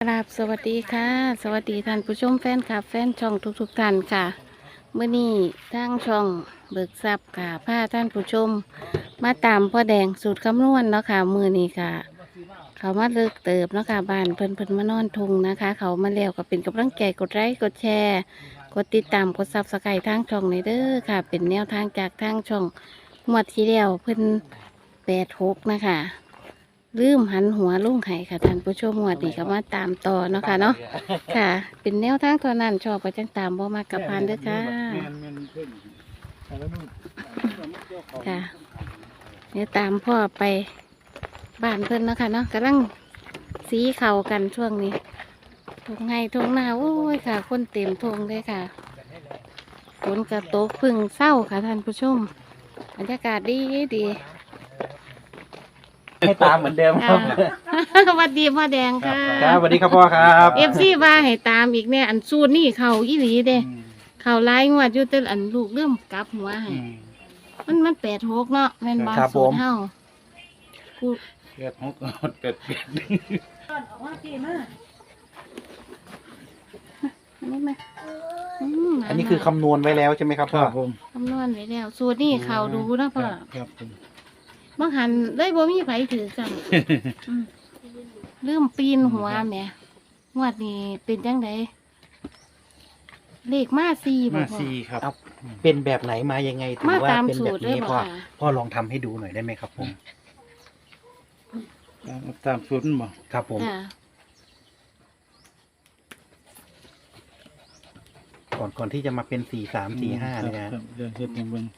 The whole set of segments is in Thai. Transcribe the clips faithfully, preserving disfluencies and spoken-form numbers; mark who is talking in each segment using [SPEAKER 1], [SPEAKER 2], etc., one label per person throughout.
[SPEAKER 1] กราบสวัสดีค่ะสวัสดีท่านผู้ชมแฟนคลับแฟนช่องทุกๆท่านค่ะเมื่อนี้ทางช่องเบิกทรัพย์ค่ะพาท่านผู้ชมมาตามพ่อแดงสูตรคำนวณเนาะค่ะมือนี้ค่ะ เขามาเลิกเติบเนาะค่ะบ้านเพิ่นเพิ่นมานอนทุงนะคะ เขามาแล้วก็เป็นกำลังใจกดไลค์กดแชร์กดติดตามกดซับสไครต์ทางช่องในเด้อค่ะ เป็นแนวทางจากทางช่องงวดที่แล้วเพิ่นแปดหกนะคะลืมหันหัวลุ่งไห้ค่ะท่านผู้ชมงวดนี้ก็มาตามต่อเนาะค่ะเนาะค่ะ เป็นแนวทางเท่านั้นชอบก็จังตามบ่มากกับพันเด้อค่ะค่ะเดี๋ยวตามพ่อไปบ้านเพิ่นเนาะค่ะเนาะกำลังสีเข่ากันช่วงนี้ทงไงทงหน้าโอ้ยค่ะ คนเต็มทงเลยค่ะฝนกระตกพึ่งเศร้าค่ะท่านผู้ชมบรรยากาศดีดี
[SPEAKER 2] ให้ตามเหมือนเดิมครับ
[SPEAKER 1] สวัสดีพ่อแดงค่ะ
[SPEAKER 2] ครับสวัสดีครับพ่อครับ
[SPEAKER 1] เอฟซีว่าให้ตามอีกเนี่ยอันสูตรนี่เขาอีหลีเด้เขาไล่งวดอยู่แต่อันลูกเริ่มกลับหัวให้มันมันแปดหกเนาะแม่นบางสูตรเฮากู
[SPEAKER 3] เกิดหกเกิดเปียก
[SPEAKER 1] ออกมาพี่มาอันนี้มาอืม
[SPEAKER 2] อันนี้คือคำนวณไว้แล้วใช่ไหมครับ
[SPEAKER 3] ค
[SPEAKER 2] พ่อ
[SPEAKER 3] รับผม
[SPEAKER 1] คำนวณไว้แล้วสูตรนี่เขาดูนะพ่อ
[SPEAKER 3] ครับผม
[SPEAKER 1] บางหันเลยบ่มีไผถือกันอืมเริ่มปีนหัวแหม่งวดนี้เป็นจังไดเลขมาสี่บ่
[SPEAKER 3] มา
[SPEAKER 1] พ่อ
[SPEAKER 3] สี่ครับ
[SPEAKER 2] เอาเป็นแบบไหนมายังไงถึง
[SPEAKER 1] มา
[SPEAKER 2] ว่า
[SPEAKER 1] ตาม
[SPEAKER 2] เป็น
[SPEAKER 1] สู
[SPEAKER 2] แบ
[SPEAKER 1] ต
[SPEAKER 2] บ
[SPEAKER 1] รเลย
[SPEAKER 2] นี้
[SPEAKER 1] บ่
[SPEAKER 2] พ่อ
[SPEAKER 1] ค่ะ
[SPEAKER 2] พ่อลองทำให้ดูหน่อยได้ไหมครับผม
[SPEAKER 3] ตามสูตรมันบ่
[SPEAKER 2] ครับผม
[SPEAKER 1] ค่ะ
[SPEAKER 2] ก่อนก่อนที่จะมาเป็นสี่สามสี่ห้าเนี่ยนะ
[SPEAKER 3] ครับเดี๋ยวเฮ็ดให้เบิ่ง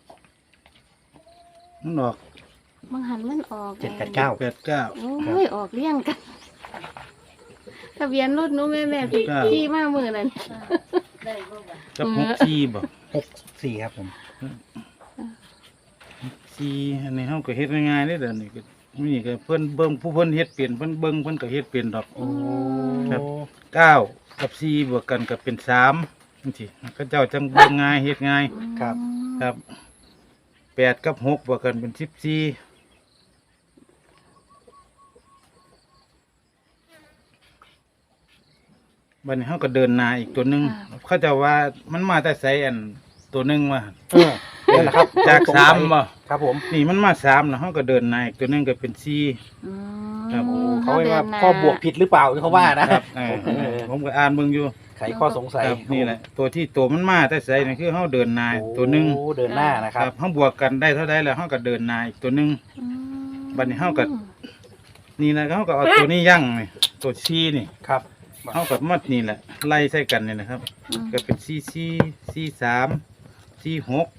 [SPEAKER 3] มันออก
[SPEAKER 1] บางหันมันออก
[SPEAKER 2] เจ็ดแปดเก้า
[SPEAKER 3] แปดเก้า
[SPEAKER 1] โอ้ยออกเลี่ยงกันทะเบียนรถหนู้แม่แม่ที่
[SPEAKER 3] เก้า
[SPEAKER 1] ที่มาเมื่อนั้น
[SPEAKER 3] กับหกสี่บ่
[SPEAKER 2] หกสี่ครับผม
[SPEAKER 3] สี่อันนี้เฮาก็เฮ็ดง่ายๆเด้อเดี๋ยวนี้ก็นี่ก็เพิ่นเบิ่งผู้เพิ่นเฮ็ดเป็นเพิ่นเบิ่งเพิ่นก็เฮ็ดเป็นดอก
[SPEAKER 2] โอ้
[SPEAKER 3] ครับ เก้ากับสี่บวกกันก็เป็นสามจังซี่เขาเจ้าจังเบิ่งง่ายเฮ็ดง่าย
[SPEAKER 2] ครับ
[SPEAKER 3] ครับแปดกับหกบวกกันเป็นสิบสี่บัดนี้เขาก็เดินหนาอีกตัวหนึ่งเขาจะว่ามันมาแต่ใสอันตัวหนึ่งว่า
[SPEAKER 2] เออนี่แหละครับ
[SPEAKER 3] จากสามบ่
[SPEAKER 2] ครับผม
[SPEAKER 3] นี่มันมาสามนะเขาก็เดินหนาอีกตัวหนึ่งก็เป็นสี่
[SPEAKER 1] อืม
[SPEAKER 3] ครับ
[SPEAKER 2] โอ้เขาเรียกว่า
[SPEAKER 1] ดินม
[SPEAKER 2] พ่อบวกผิดหรือเปล่าเขาว่านะครับ
[SPEAKER 3] เออเออผมก็อ่านเบิ่งอยู่
[SPEAKER 2] ไขข้อสงสัย
[SPEAKER 3] ครับนี่แหละตัวที่ตัวมันมาแต่ใสนี่คือเขาเดินหนาตัวหนึ่ง
[SPEAKER 2] โอ้เดินหน้านะค
[SPEAKER 3] ค
[SPEAKER 2] รั
[SPEAKER 3] รั
[SPEAKER 2] บบ
[SPEAKER 3] เขาบวกกันได้เท่าใดแล้วเขาก็เดินหนาอีกตัวหนึ่ง
[SPEAKER 1] อืม
[SPEAKER 3] บัดนี้เฮาก็ นี่นะเขาก็เอาตัวนี้ยั่งนี่ตัวชีนี่
[SPEAKER 2] ครับ
[SPEAKER 3] เขากับมัดนี่แหละไล่ใส่กันนี่นะครับ
[SPEAKER 1] อืม
[SPEAKER 3] ก็เป็นสี่สี่สี่สามสี่หก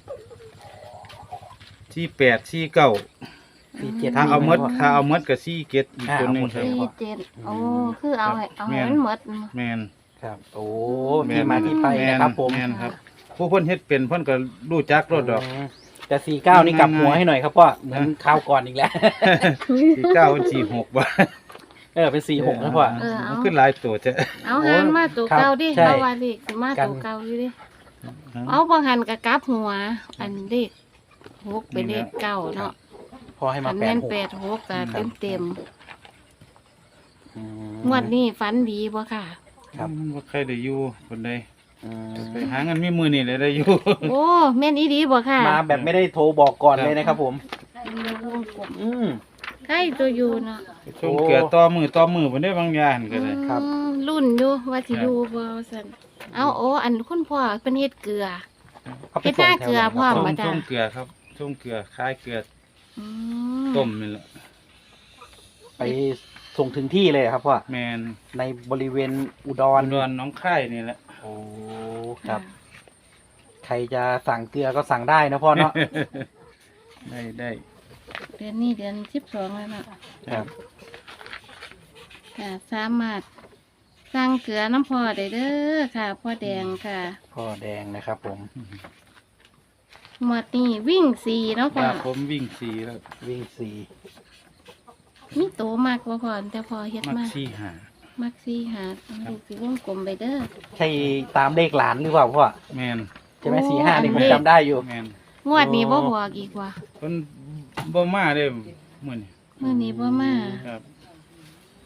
[SPEAKER 3] สี่แปดสี่เก้า
[SPEAKER 2] สี่เจ็ด
[SPEAKER 3] ถ้าเอามดถ้าเอามดกับสี่เกตอีกตัวหนึ่งครับ
[SPEAKER 1] สี่เจ็ดโอ้คือเอาให้เอาให้
[SPEAKER 3] แม่น
[SPEAKER 1] มันหมด
[SPEAKER 3] แมน
[SPEAKER 2] ครับโอ้
[SPEAKER 3] แ
[SPEAKER 2] ที่มาที่ไปนะครับผม
[SPEAKER 3] แมนครับ ผู้เพิ่นเฮ็ดเป็นเพิ่นก็รู้จักรถดอก
[SPEAKER 2] อืมแต่สี่เก้านี่กลับหัวให้หน่อยครับพ่อเหมือนคราวก่อนอีกแล้ว
[SPEAKER 3] สี่เก้าเป็นสี่หกบ่
[SPEAKER 2] เออเป็นสี่หกนะพ่อ
[SPEAKER 3] มันขึ้นหลายตัวจะ
[SPEAKER 1] เอาหันมาตัว
[SPEAKER 2] ครับ
[SPEAKER 1] เก่าดิ
[SPEAKER 2] ใช่
[SPEAKER 1] เอาว่าดิมาตัวเก่าอยู่ดิเอาบางหันกับกลับหัว อันเด็กหกเป็นเลขเก้าเนาะ
[SPEAKER 2] พอให้
[SPEAKER 1] อั
[SPEAKER 2] มาน แป
[SPEAKER 1] แม่
[SPEAKER 2] ด
[SPEAKER 1] น
[SPEAKER 2] หก
[SPEAKER 1] แปดหกกะเต็มเต็ม
[SPEAKER 2] อืม
[SPEAKER 1] ๆงวดนี้ฝันดีบ่ค่ะ
[SPEAKER 2] ครับ
[SPEAKER 3] บ่ใครได้อยู่คนใด
[SPEAKER 2] อืม
[SPEAKER 3] ไปหาเงินมีมือนี่เลยได้อยู่
[SPEAKER 1] โอ้แม่นอีดีบ่ค่ะ
[SPEAKER 2] มาแบบไม่ได้โทรบอกก่อนเลยนะครับผม อืม
[SPEAKER 1] ใกล้ตัวอยู่เนาะ
[SPEAKER 3] ชมเกลือต่อมือต่อมือบ่ได้บางอย่างก็ได้
[SPEAKER 2] ครับ
[SPEAKER 1] อืมรุ่นอยู่ว่าสิ
[SPEAKER 3] ครับ
[SPEAKER 1] อยู่บ่ซั่นเอาโอ้อันคุณพ่อเป็นเฮ็ดเกลือ
[SPEAKER 2] เอาไป
[SPEAKER 1] เฮ็ดหน้า
[SPEAKER 2] ส่งแถว
[SPEAKER 1] เกลือ
[SPEAKER 2] ไหน
[SPEAKER 1] พ่อ
[SPEAKER 2] ครับ
[SPEAKER 3] ส้ม
[SPEAKER 1] มาจ้ะ
[SPEAKER 3] ส้มเกลือครับส้มเกลือคล้ายเกลือ
[SPEAKER 1] อืม
[SPEAKER 3] ต้มนี่แหละ
[SPEAKER 2] ไปส่งถึงที่เลยครับพ่อ
[SPEAKER 3] แมน
[SPEAKER 2] ในบริเวณอุด
[SPEAKER 3] ตอ
[SPEAKER 2] ร
[SPEAKER 3] นดอนน้องไข่นี่แหละ
[SPEAKER 2] โอ้ครับ ใครจะสั่งเกลือก็สั่งได้นะพ่อเนาะ
[SPEAKER 3] ได้ได้
[SPEAKER 1] เดือนนี้เดือนสิบสองแล้วเนาะ
[SPEAKER 2] ครับ
[SPEAKER 1] ค่ะสามารถสั่งเกลือน้ำพ่อได้เด้อค่ะพ่อแดงค่ะ
[SPEAKER 2] พ่อแดงนะครับผม
[SPEAKER 1] หมวดนี้วิ่งสี่เนาะ
[SPEAKER 3] ค
[SPEAKER 1] พ่อ
[SPEAKER 3] รับผมวิ่งสีแล้ว
[SPEAKER 2] วิ่งสี่
[SPEAKER 1] มีโตมากบ่พ่อแต่พอเฮ็ด
[SPEAKER 3] มัก
[SPEAKER 1] มาก
[SPEAKER 3] สี่หา
[SPEAKER 1] มักสี่หาลูกสิวงกลมไปเด้อ
[SPEAKER 2] ใช่ตามเลขหลานหรือเปล่าพ่อ
[SPEAKER 3] แมน
[SPEAKER 2] ใช่ไหม
[SPEAKER 1] โอ้
[SPEAKER 2] สี่ห้านี่
[SPEAKER 1] อัน
[SPEAKER 2] ผม
[SPEAKER 1] เลข
[SPEAKER 2] จำได้อยู่
[SPEAKER 3] แมน
[SPEAKER 1] งวดนี้บ่
[SPEAKER 2] โอ้
[SPEAKER 1] บอกอีกว่า
[SPEAKER 3] เพิ่นบ่มาเด้มื้อนี้
[SPEAKER 1] มื้อนี้บ่มา
[SPEAKER 3] ครับ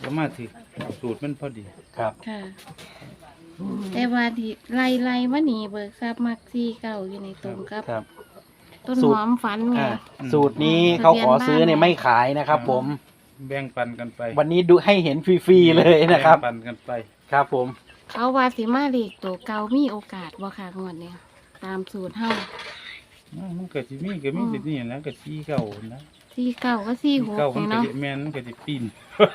[SPEAKER 3] ก็มาถึงสูตรมันพอดี
[SPEAKER 2] ครับ
[SPEAKER 1] ค่ะ แต่ว่าที่ไล่ไล่มาหนีเบิกทรัพย์มักซี่เก่าอยู่ในตรงกับ
[SPEAKER 2] ครับ
[SPEAKER 1] ต้น
[SPEAKER 2] สู
[SPEAKER 1] ห
[SPEAKER 2] ตร
[SPEAKER 1] อมฝันไง
[SPEAKER 2] อ่าสูตรนี้เขาขอซื้อเนี่ยไม่ขายนะครับ ผม
[SPEAKER 3] แบ่งปันกันไป
[SPEAKER 2] วันนี้ดูให้เห็นฟรีๆเลยนะครับ
[SPEAKER 3] แงปันกันไป
[SPEAKER 2] ครับผม
[SPEAKER 1] เขาว่าสิมาเด็กตัวเก่ามีโอกาสบ่ค่ะงวดเนี่ยตามสูตรเฮา
[SPEAKER 3] อ้าวมันก็สิมีก็มีแต่นี่นะก็สี่เก้านะ
[SPEAKER 1] ซี่เก่าก็ซี่หก
[SPEAKER 3] เก้ามัน
[SPEAKER 1] นี่
[SPEAKER 3] ก็
[SPEAKER 1] เนาะ
[SPEAKER 3] สิแม่นมันก็สิปีน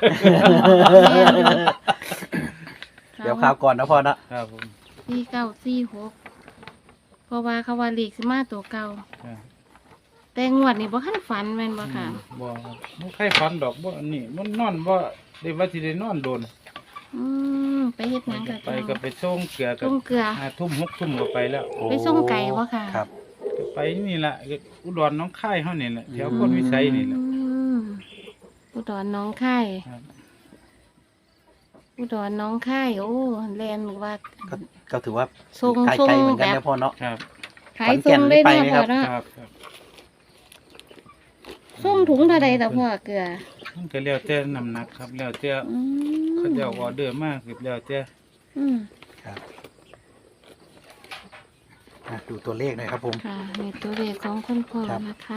[SPEAKER 2] เดี๋ยวข่าวก่อนนะพ่อนะครับ
[SPEAKER 3] ผม
[SPEAKER 1] ซี่เก่าซี่หกเพราะว่าเขาว่าเลขสิมาตัวเก่า
[SPEAKER 3] อ่า
[SPEAKER 1] แต่งวดนี่บ่คันฝันแม่นบ่ค่ะ
[SPEAKER 3] บ่ครับบ่ใครฝันดอกบ่อันนี้มันนอนบ่ได้ว่าสิได้นอนโดน
[SPEAKER 1] อืมไปเฮ็ดหยังกับ
[SPEAKER 3] ไปก็ไปส่งเกลือกั
[SPEAKER 1] ต้มเกลือ
[SPEAKER 3] ห้าทุ่มหกทุ่มก็ไปแล้ว
[SPEAKER 1] ไปส่งไก่บ่ค่ะ
[SPEAKER 2] ครับ
[SPEAKER 3] ก็ไปนี่ล่ะอุดรหน้องค่ายเฮานี่แหละแถวคนวิสัยนี่แหละ
[SPEAKER 1] อืมอุดรหน้องค่าย
[SPEAKER 3] ครับ
[SPEAKER 1] อุดรหน้องค่ายโอ้แลนว่า
[SPEAKER 2] ก็ก็ถือว่า
[SPEAKER 1] ทรง
[SPEAKER 2] ไกล
[SPEAKER 1] ทรง
[SPEAKER 2] ไกลเหมือนกัน
[SPEAKER 1] แบบ
[SPEAKER 2] นะพ่อเนาะ
[SPEAKER 3] ครับ
[SPEAKER 1] ขายทรงได้
[SPEAKER 2] ขอน
[SPEAKER 1] เนาะ
[SPEAKER 2] แก่นนี่ไปไหมครั
[SPEAKER 1] พ่อบ เนาะ
[SPEAKER 3] ครับครับ
[SPEAKER 1] ส่งถุงเท่าใดต่อพ่อเกลือ
[SPEAKER 3] มันก็แล้วแต่น้ำหนักครับแล้วแต่
[SPEAKER 1] อืม
[SPEAKER 3] เขาเจ้าออเดอร์มากคือแล้วแต่
[SPEAKER 1] อืม
[SPEAKER 2] ครับอ่ะดูตัวเลขหน่อยครับผม
[SPEAKER 1] ค่ะในตัวเลขของคนพ่อ
[SPEAKER 2] ครับ
[SPEAKER 1] นะคะ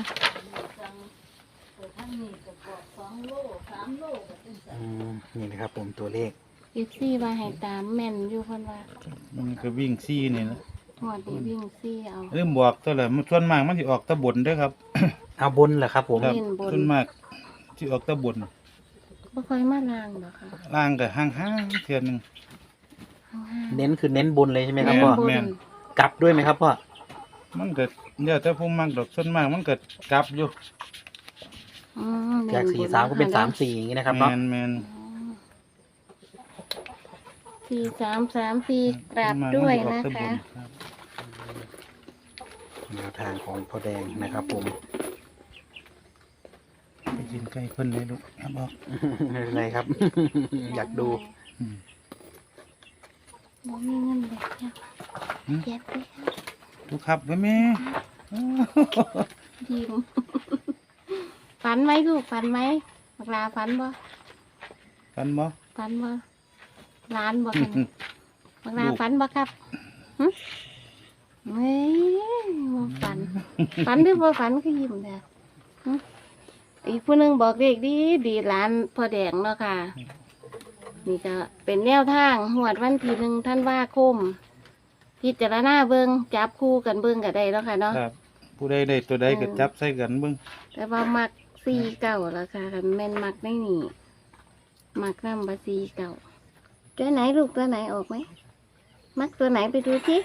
[SPEAKER 2] อืมนี่นะครับผมตัวเลข
[SPEAKER 1] อีซี่ว่าให้ตามแม่นอยู่เพิ่นว่า
[SPEAKER 3] มันก็วิ่งซี่นี่นะ
[SPEAKER 1] หอดดีวิ่งซี่เอา
[SPEAKER 3] เริ่มบอกตัวละมันส่วนมากมันสิออกตะบนเด้อครับ
[SPEAKER 2] เอาบนเหรอครับผม
[SPEAKER 3] ครับ
[SPEAKER 1] เล่นบน
[SPEAKER 3] ส่วนมากสิออกตะบน
[SPEAKER 1] บ่ค่อยมาลางดอกค่ะ
[SPEAKER 3] ล่างก็ห่างๆเทื่อหนึง
[SPEAKER 1] ข้างห้า
[SPEAKER 2] เน้นคือเน้นบนเลยใช่ไหมครับ
[SPEAKER 3] แม่น
[SPEAKER 2] พ่อ
[SPEAKER 1] บน
[SPEAKER 3] แม่น
[SPEAKER 2] กลับด้วยไหมครับพ่อ
[SPEAKER 3] มันก็แล้วแต่ผู้มักดอกส่วนมากมันก็กลับอยู่
[SPEAKER 1] อืมเล่น
[SPEAKER 2] จาก
[SPEAKER 1] บ
[SPEAKER 2] สี่สามก็เป็น
[SPEAKER 1] ะคะ
[SPEAKER 2] สามสี่อย่างนี้นะครับ
[SPEAKER 3] แม่
[SPEAKER 2] เนาะ
[SPEAKER 3] นแม่น
[SPEAKER 1] สี่สามสามสี่กราบ
[SPEAKER 3] ส่นมาก
[SPEAKER 1] ด้วย
[SPEAKER 3] มั
[SPEAKER 1] นะ
[SPEAKER 3] สิออกต
[SPEAKER 1] คะ
[SPEAKER 3] บรับ
[SPEAKER 2] แนวทางของพ่อแดงนะครับผม
[SPEAKER 3] ไปกินไก่เพิ่นเลยลูกครับบอก
[SPEAKER 2] ไม่เป็นไรครับ อยากดู
[SPEAKER 3] อืม
[SPEAKER 1] บ่มีเงินเลยค่ะ
[SPEAKER 3] อืม
[SPEAKER 1] เจ็บเลยค่ะ
[SPEAKER 3] ลูกครับไว้แม่
[SPEAKER 1] ยิ้ม ฝันไหมลูกฝันไหมบักลาฝันบ่
[SPEAKER 3] กันบ่
[SPEAKER 1] ฝันบ่ร้านบ่กันบักลาฝันบ่ครับหึเฮ้ยบ่ฝัน ฝันหรือบ่ฝันก็ยิ้มเด้อหึอีกผู้หนึงบอกเด็กดีดีร้านพ่อแดงเนาะค่ะ นี่ก็เป็นแนวทางหวดวันที่หนึ่งท่านว่าคม พิจารณาเบิงจับคู่กันเบิงก็ได้แล้วค่ะเนาะ
[SPEAKER 3] ครับ ผู้ใดได้ตัวใดก็จับใส่กันเบิ่ง
[SPEAKER 1] แต่ว่ามักซีเก่าแล้วค่ะคันแม่นมักได้นี่มักน้ำบาซีเก่าตัวไหนลูกตัวไหนออกไหมมักตัวไหนไปดูสิ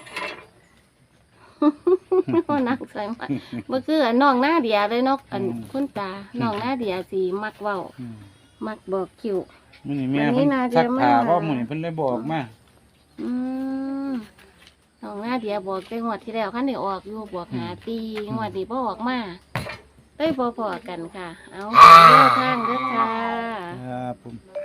[SPEAKER 1] โอ้นักใส่มักบ่คืออันน้องหน้าเดียเลยเนกอันคุณตาน้องหน้าเดียสีมักเว้า
[SPEAKER 3] อืม
[SPEAKER 1] มักบอกคิว
[SPEAKER 3] มื้อนี้แม่
[SPEAKER 1] วันนี้
[SPEAKER 3] เพิ่น
[SPEAKER 1] น่าจะ
[SPEAKER 3] ซักผ้า
[SPEAKER 1] มา
[SPEAKER 3] เพราะมื้อนี้เพิ่นเลยบอกมา
[SPEAKER 1] อืมน้องหน้าเดียบอกแต่งวดที่แล้วคันได้ออกอยู่บอกหาตีงวดนี้บ่ออกมาได้พอๆกันค่ะ เอาเดินทางเด้อค่ะ
[SPEAKER 3] ครับผม